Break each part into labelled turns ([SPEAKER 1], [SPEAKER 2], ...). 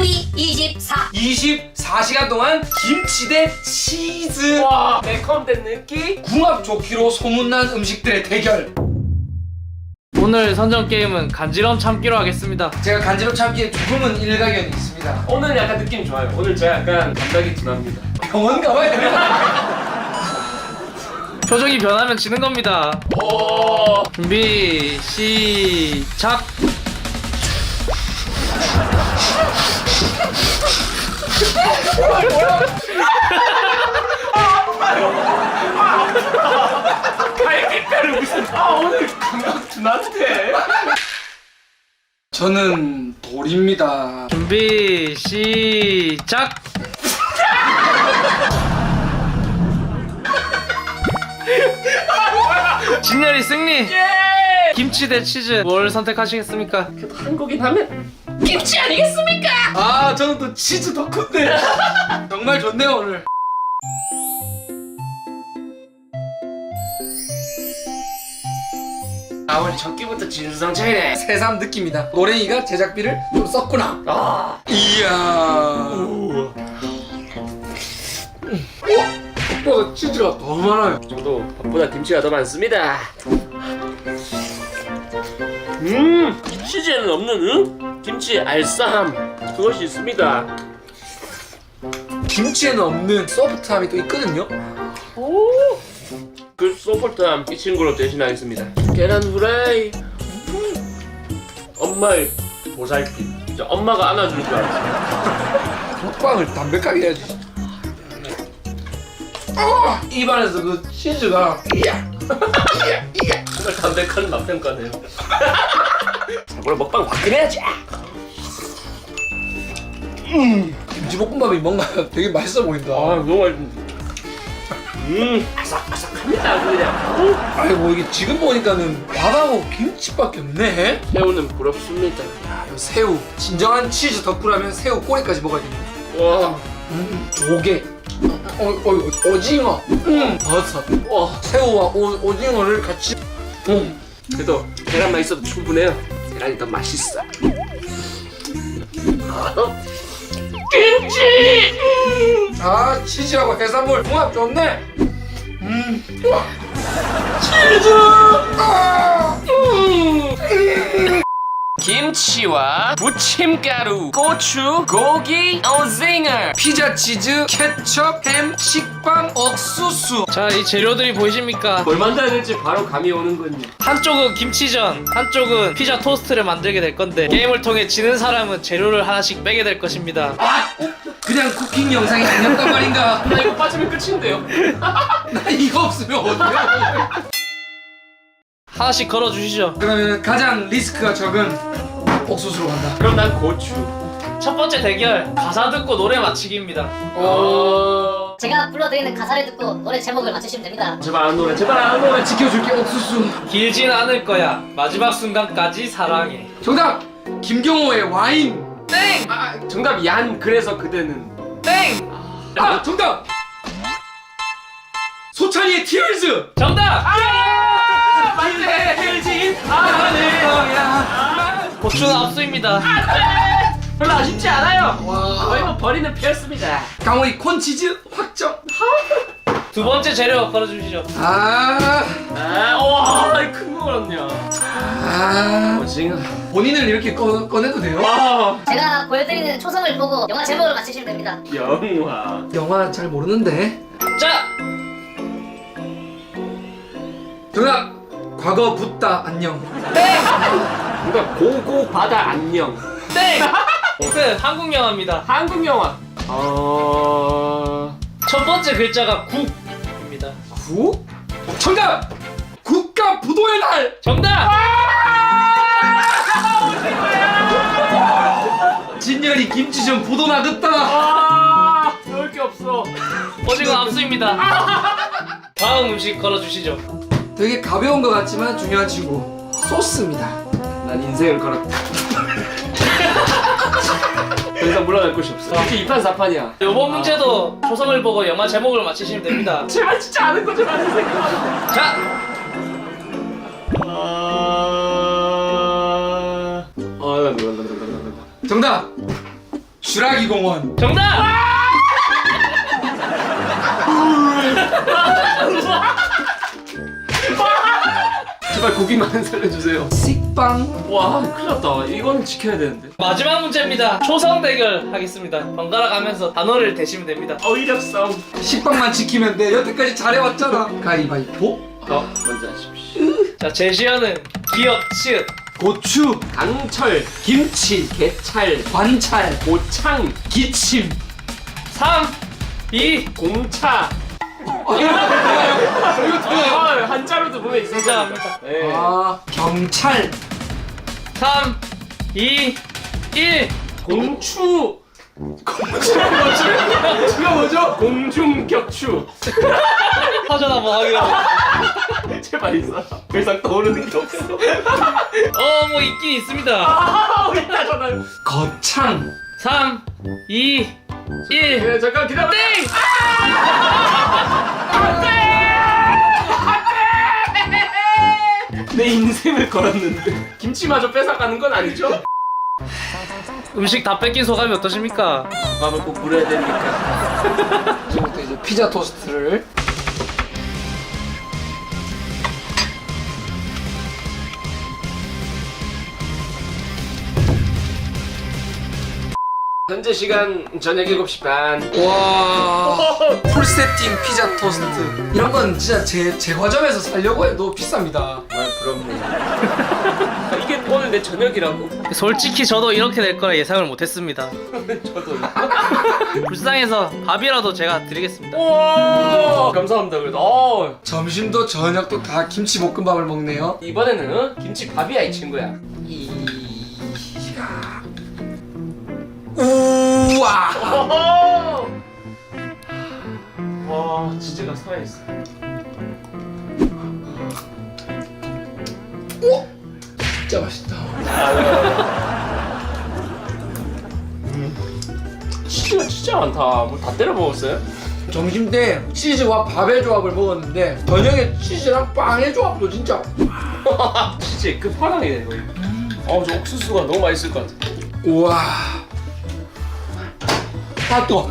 [SPEAKER 1] 요리 24.
[SPEAKER 2] 24시간 동안 김치 대 치즈.
[SPEAKER 3] 와, 매콤된 느낌?
[SPEAKER 2] 궁합 좋기로 소문난 음식들의 대결.
[SPEAKER 4] 오늘 선정 게임은 간지럼 참기로 하겠습니다.
[SPEAKER 2] 제가 간지럼 참기에 조금은 일가견이 있습니다.
[SPEAKER 3] 오늘 약간 느낌이 좋아요. 오늘 제가 약간 감각이 둔합니다.
[SPEAKER 2] 병원 가봐야 되나?
[SPEAKER 4] 표정이 변하면 지는 겁니다.
[SPEAKER 3] 오.
[SPEAKER 4] 준비 시작.
[SPEAKER 3] 갈비뼈를 무슨 오늘 감각 둔한데?
[SPEAKER 2] 저는 돌입니다.
[SPEAKER 4] 준비 시작. 진열이 승리. 김치 대 치즈 뭘 선택하시겠습니까?
[SPEAKER 3] 그래도 한국인 하면 김치 아니겠습니까?
[SPEAKER 2] 아, 저는 또 치즈 덕후인데. 정말 좋네요 오늘.
[SPEAKER 3] 아, 우리 첫 끼부터 진수성찬이네.
[SPEAKER 2] 새삼 느낍니다. 노랭이가 제작비를 좀 썼구나.
[SPEAKER 3] 아.
[SPEAKER 2] 이야. 오빠가 치즈가 더 많아요.
[SPEAKER 3] 저도 밥보다 김치가 더 많습니다. 치즈에는 없는 김치 알싸함 그것이 있습니다.
[SPEAKER 2] 김치에는 없는 소프트함이 또 있거든요.
[SPEAKER 3] 그 소프트함 이 친구로 대신하겠습니다. 계란 후라이. 엄마의 보살핌. 진짜 엄마가 안아줄 줄 알았어.
[SPEAKER 2] 먹방을 담백하게 해야지. 입안에서 그 치즈가
[SPEAKER 3] 정말 담백한 맛평가네요. 오늘 먹방 화끈해야지.
[SPEAKER 2] 김치볶음밥이 뭔가 되게 맛있어 보인다.
[SPEAKER 3] 아, 너무 맛있는데. 아삭아삭합니다 그냥.
[SPEAKER 2] 아이고, 이게 지금 보니까는 밥하고 김치밖에 없네.
[SPEAKER 3] 새우는 부럽습니다.
[SPEAKER 2] 야, 이 새우. 진정한 치즈 덕후라면 새우 꼬리까지 먹어야겠네.
[SPEAKER 3] 와,
[SPEAKER 2] 조개. 오징어. 버섯.
[SPEAKER 3] 와.
[SPEAKER 2] 새우와 오징어를 같이.
[SPEAKER 3] 그래도 계란만 있어도 충분해요. 계란이 더 맛있어. 김치!
[SPEAKER 2] 아, 치즈하고 해산물 궁합 좋네.
[SPEAKER 3] 김치와 부침가루, 고추, 고기, 오징어.
[SPEAKER 2] 피자 치즈, 케첩, 햄, 식빵, 옥수수.
[SPEAKER 4] 자, 이 재료들이 보이십니까?
[SPEAKER 3] 뭘 만들어야 될지 바로 감이 오는군요.
[SPEAKER 4] 한쪽은 김치전, 한쪽은 피자 토스트를 만들게 될 건데 게임을 통해 지는 사람은 재료를 하나씩 빼게 될 것입니다.
[SPEAKER 2] 그냥 쿠킹 영상이 아니었단 말인가?
[SPEAKER 3] 나 이거 빠지면 끝인데요.
[SPEAKER 2] 나 이거 없으면 어떡해?
[SPEAKER 4] 하나씩 걸어주시죠.
[SPEAKER 2] 그러면 가장 리스크가 적은 옥수수로 간다.
[SPEAKER 3] 그럼 난 고추.
[SPEAKER 4] 첫 번째 대결 가사 듣고 노래 맞히기입니다.
[SPEAKER 1] 제가 불러드리는 가사를 듣고 노래 제목을 맞추시면 됩니다.
[SPEAKER 3] 제발 안 노래, 제발 안 노래.
[SPEAKER 2] 지켜줄게 옥수수.
[SPEAKER 4] 길진 않을 거야. 마지막 순간까지 사랑해.
[SPEAKER 2] 정답! 김경호의 와인.
[SPEAKER 4] 땡!
[SPEAKER 3] 정답 얀. 그래서 그대는.
[SPEAKER 4] 땡!
[SPEAKER 2] 아, 정답! 소찬이의 티얼즈.
[SPEAKER 4] 정답!
[SPEAKER 3] 맞네. 길진 않을 거야.
[SPEAKER 4] 고추는 압수입니다.
[SPEAKER 3] 별로 아쉽지 않아요.
[SPEAKER 2] 와.
[SPEAKER 3] 거의 뭐 버리는 피였습니다.
[SPEAKER 2] 강호이 콘치즈 확정.
[SPEAKER 4] 두 번째 재료 걸어주시죠.
[SPEAKER 2] 아,
[SPEAKER 3] 와, 큰 거거든요. 오징어.
[SPEAKER 2] 본인을 이렇게 꺼내도 돼요?
[SPEAKER 3] 와,
[SPEAKER 1] 제가 보여드리는 초성을 보고 영화 제목을 맞추시면 됩니다.
[SPEAKER 3] 영화.
[SPEAKER 2] 영화 잘 모르는데.
[SPEAKER 4] 자!
[SPEAKER 2] 정답! 과거 붓다 안녕.
[SPEAKER 3] 누가 고고 바다 안녕.
[SPEAKER 4] 땡! 끝! 한국 영화입니다.
[SPEAKER 3] 한국 영화.
[SPEAKER 4] 첫 번째 글자가 국입니다.
[SPEAKER 2] 국? 정답! 국가 부도의 날!
[SPEAKER 4] 정답!
[SPEAKER 2] 진열이 김치전 부도 나겠다.
[SPEAKER 3] 넣을 게 없어.
[SPEAKER 4] 오징어 압수입니다. 다음 음식 걸어주시죠.
[SPEAKER 2] 되게 가벼운 것 같지만 중요한 친구. 소스입니다.
[SPEAKER 3] 난 인생을 걸었다. 더 이상 물러날 곳이 없어. 이게 2판 4판이야.
[SPEAKER 4] 요번 문제도 초성을 보고 영화 제목을 맞히시면 됩니다.
[SPEAKER 3] 제발 진짜 아는 거좀 하세요.
[SPEAKER 4] 자!
[SPEAKER 2] 정답! 주라기 공원.
[SPEAKER 4] 정답!
[SPEAKER 3] 제발 고기만 살려주세요.
[SPEAKER 2] 식빵.
[SPEAKER 3] 와 큰일 났다. 이거는 지켜야 되는데.
[SPEAKER 4] 마지막 문제입니다. 초성 대결 하겠습니다. 번갈아 가면서 단어를 대시면 됩니다.
[SPEAKER 3] 어휘력 싸움.
[SPEAKER 2] 식빵만 지키면 돼. 여태까지 잘해왔잖아. 가위바위보.
[SPEAKER 3] 먼저 하십시오.
[SPEAKER 4] 자, 제시어는 기억, 치읓.
[SPEAKER 2] 고추,
[SPEAKER 3] 강철,
[SPEAKER 2] 김치,
[SPEAKER 3] 개찰,
[SPEAKER 2] 관찰,
[SPEAKER 3] 고창,
[SPEAKER 2] 기침.
[SPEAKER 4] 3, 2,
[SPEAKER 3] 공차.
[SPEAKER 2] 이거 틀려요.
[SPEAKER 3] 아, 한자로도 보면 있습니다.
[SPEAKER 4] 진짜입니다.
[SPEAKER 3] 네.
[SPEAKER 2] 아, 경찰.
[SPEAKER 4] 3, 2, 1.
[SPEAKER 3] 공추.
[SPEAKER 2] 이거 뭐죠?
[SPEAKER 3] 공중격추.
[SPEAKER 4] 사전 한번 확인해보세요.
[SPEAKER 3] 제발 있어. 더 이상 떠오르는 게 없어.
[SPEAKER 4] 뭐 있긴 있습니다.
[SPEAKER 3] 아, 있다 전화.
[SPEAKER 2] 거창.
[SPEAKER 4] 3, 2, 1.
[SPEAKER 3] 네, 잠깐 기다려. 땡! 내 인생을 걸었는데 김치마저 뺏어가는 건 아니죠?
[SPEAKER 4] 음식 다 뺏긴 소감이 어떠십니까?
[SPEAKER 3] 밥을 꼭 물어야 되니까.
[SPEAKER 2] 지금부터 이제 피자 토스트를.
[SPEAKER 3] 현재 시간 저녁 7시 반.
[SPEAKER 2] 와, 풀세팅 피자 토스트. 이런 건 진짜 제 과점에서 살려고 해도 비쌉니다.
[SPEAKER 3] 정말 부럽네. 이게 오늘 내 저녁이라고?
[SPEAKER 4] 솔직히 저도 이렇게 될 거라 예상을 못했습니다.
[SPEAKER 3] 저도.
[SPEAKER 4] 불쌍해서 밥이라도 제가 드리겠습니다.
[SPEAKER 3] 와 감사합니다. 그래도
[SPEAKER 2] 점심도 저녁도 다 김치볶음밥을 먹네요.
[SPEAKER 3] 이번에는 김치밥이야 이 친구야.
[SPEAKER 2] 우와.
[SPEAKER 3] 와 치즈가 살아있어.
[SPEAKER 2] 진짜 맛있다.
[SPEAKER 3] 치즈가 진짜 많다. 뭐 다 때려 먹었어요?
[SPEAKER 2] 점심 때 치즈와 밥의 조합을 먹었는데 저녁에 치즈랑 빵의 조합도 진짜.
[SPEAKER 3] 치즈의 끝판왕이네 거의. 저 옥수수가 너무 맛있을 것 같아.
[SPEAKER 2] 우와. 아 또.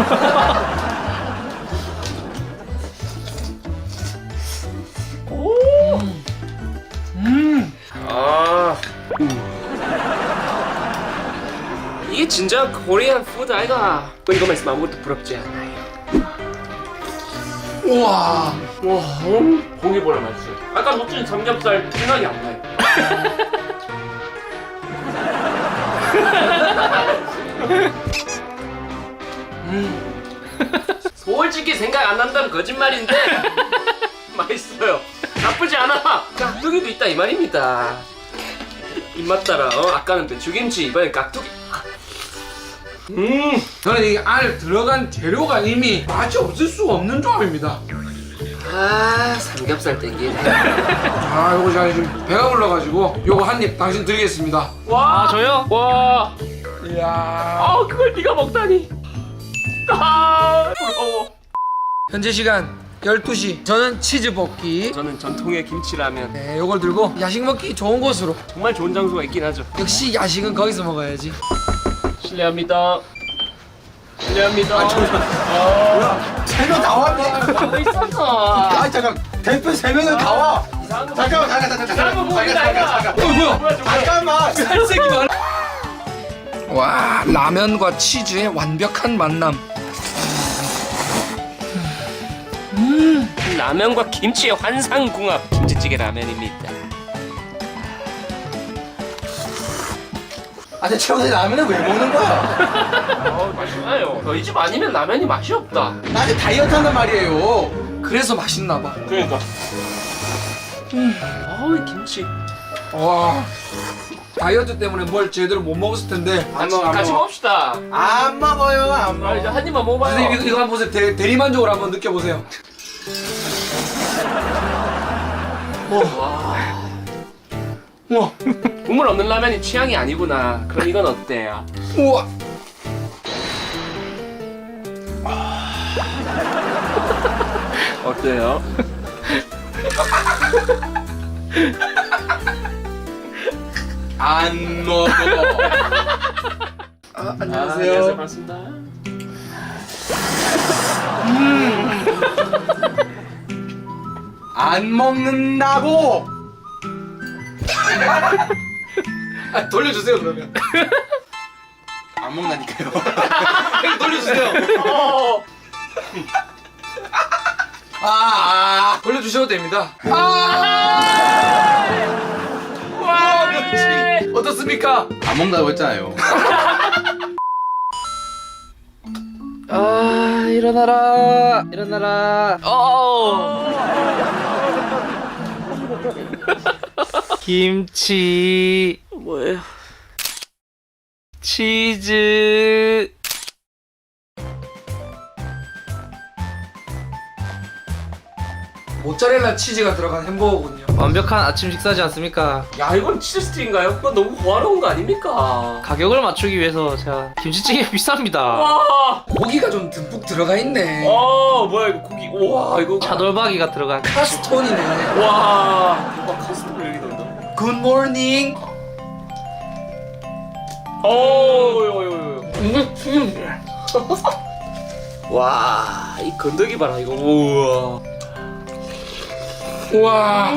[SPEAKER 2] 이게 진짜 코리안 푸드 아이가. 이거만 있으면 아무것도 부럽지 않아요. 우와.
[SPEAKER 3] 와, 고기보다 맛있어요. 아까 먹던 삼겹살 생각이 안 나요. 솔직히 생각 안 난다면 거짓말인데 맛있어요. 나쁘지 않아. 깍두기도 있다 이 말입니다. 입맛 따라. 아까는 배추김치, 이번엔 깍두기.
[SPEAKER 2] 저는 이 안에 들어간 재료가 이미 맛이 없을 수가 없는 조합입니다.
[SPEAKER 3] 삼겹살 땡기네.
[SPEAKER 2] 자, 요거 제가 지금 배가 불러가지고 요거 한 입 당신 드리겠습니다.
[SPEAKER 3] 와,
[SPEAKER 4] 아, 저요?
[SPEAKER 3] 와,
[SPEAKER 2] 이야.
[SPEAKER 3] 그걸 네가 먹다니. 부러워.
[SPEAKER 2] 현재 시간 12시. 저는 치즈 볶기.
[SPEAKER 3] 저는 전통의 김치라면.
[SPEAKER 2] 네, 요걸 들고 야식 먹기 좋은 곳으로.
[SPEAKER 3] 정말 좋은 장소가 있긴 하죠.
[SPEAKER 2] 역시 야식은 거기서 먹어야지.
[SPEAKER 3] 실례합니다. 실례합니다.
[SPEAKER 2] 뭐야? 3명 다 왔네.
[SPEAKER 3] 있었어.
[SPEAKER 2] 잠깐. 대표 3명은 다 와.
[SPEAKER 3] 잠깐만 보인다 이거.
[SPEAKER 2] 뭐야? 잠깐만. 살색이 많아. 와, 라면과 치즈의 완벽한 만남.
[SPEAKER 3] 라면과 김치의 환상궁합 김치찌개 라면입니다.
[SPEAKER 5] 아니 최근에 라면을 왜 먹는 거야?
[SPEAKER 3] 맛있나요? 저희 집 아니면 라면이 맛이 없다.
[SPEAKER 5] 나는 다이어트 한단 말이에요.
[SPEAKER 2] 그래서 맛있나 봐.
[SPEAKER 3] 그러니까. 김치.
[SPEAKER 2] 와. 다이어트 때문에 뭘 제대로 못 먹었을 텐데.
[SPEAKER 3] 같이 먹읍시다.
[SPEAKER 5] 안 먹어요, 안 먹어.
[SPEAKER 3] 이제 한 입만 먹어봐요.
[SPEAKER 2] 선생님 이거 한번 보세요. 대리만족을 한번 느껴보세요. 우와.
[SPEAKER 3] 국물 없는 라면이 취향이 아니구나. 그럼 이건 어때요?
[SPEAKER 2] 우와.
[SPEAKER 3] 어때요?
[SPEAKER 5] 안 먹어.
[SPEAKER 3] 안녕하세요. 반갑습니다.
[SPEAKER 5] 안 먹는다고.
[SPEAKER 2] 아, 돌려주세요 그러면.
[SPEAKER 5] 안 먹나니까요.
[SPEAKER 2] 돌려주세요. 돌려주셔도 됩니다. 와, 면치 어떻습니까?
[SPEAKER 5] 안 먹는다고 했잖아요.
[SPEAKER 4] 일어나라 일어나라. 김치
[SPEAKER 3] 뭐예요?
[SPEAKER 4] 치즈.
[SPEAKER 2] 모짜렐라 치즈가 들어간 햄버거군요.
[SPEAKER 4] 완벽한 아침 식사지 않습니까?
[SPEAKER 3] 야, 이건 치즈 스틱인가요? 그건 너무 고화로운 거 아닙니까?
[SPEAKER 4] 가격을 맞추기 위해서 제가 김치찌개 비쌉니다.
[SPEAKER 3] 와,
[SPEAKER 2] 고기가 좀 듬뿍 들어가 있네.
[SPEAKER 3] 뭐야 이거 고기? 와, 이거
[SPEAKER 4] 차돌박이가 들어간.
[SPEAKER 2] 카스톤이네.
[SPEAKER 3] 와, 대박 카스터를 여기 넣는다.
[SPEAKER 2] 굿모닝.
[SPEAKER 3] 와, 이 건더기 봐라 이거. 우와.
[SPEAKER 2] 우와.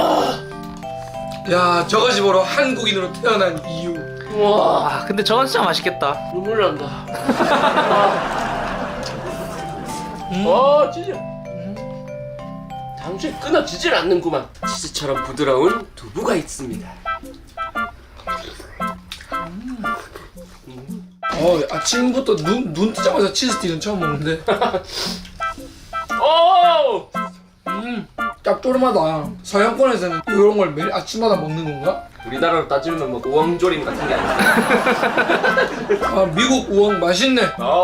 [SPEAKER 2] 야, 저것이 바로 한국인으로 태어난 이유.
[SPEAKER 3] 우와,
[SPEAKER 4] 근데 저건 진짜 맛있겠다.
[SPEAKER 3] 눈물 난다. 와, 진짜. 당초에 끊어지질 않는구만. 치즈처럼 부드러운 두부가 있습니다.
[SPEAKER 2] 아침부터 눈 뜨자마자 치즈스틱은 처음 먹는데.
[SPEAKER 3] 오!
[SPEAKER 2] 짭조름하다. 서양권에서는 이런 걸 매일 아침마다 먹는 건가?
[SPEAKER 3] 우리나라로 따지면 뭐 우엉조림 같은 게 아니야.
[SPEAKER 2] 미국 우엉 맛있네.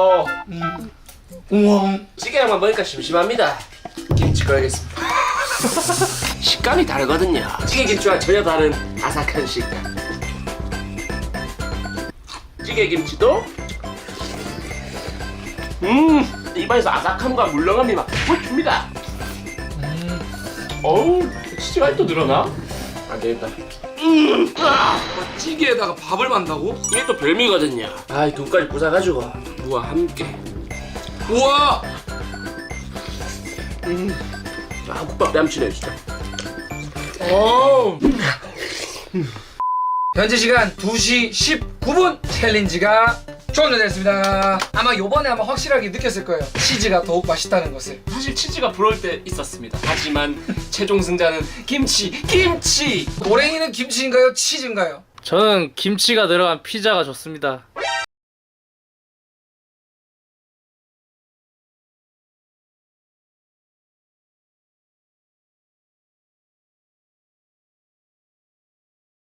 [SPEAKER 2] 우엉.
[SPEAKER 3] 찌개랑만 먹으니까 심심합니다. 김치 꺼야겠습니다. 식감이 다르거든요. 찌개 김치와 전혀 다른 아삭한 식감. 찌개 김치도 입안에서 아삭함과 물렁함이 막 줍니다. 어우, 치즈가 또 늘어나? 안 되겠다.
[SPEAKER 2] 찌개에다가 밥을 만다고?
[SPEAKER 3] 이게 또 별미거든요. 이 돈까지 부숴가지고 무와 함께.
[SPEAKER 2] 우와.
[SPEAKER 3] 국밥 뺨치네 진짜.
[SPEAKER 2] 현재 시간 2시 19분 챌린지가 종료됐습니다. 아마 요번에 확실하게 느꼈을 거예요. 치즈가 더욱 맛있다는 것을.
[SPEAKER 3] 사실 치즈가 부러울 때 있었습니다. 하지만 최종 승자는 김치.
[SPEAKER 2] 노랭이는 김치인가요? 치즈인가요?
[SPEAKER 4] 저는 김치가 들어간 피자가 좋습니다.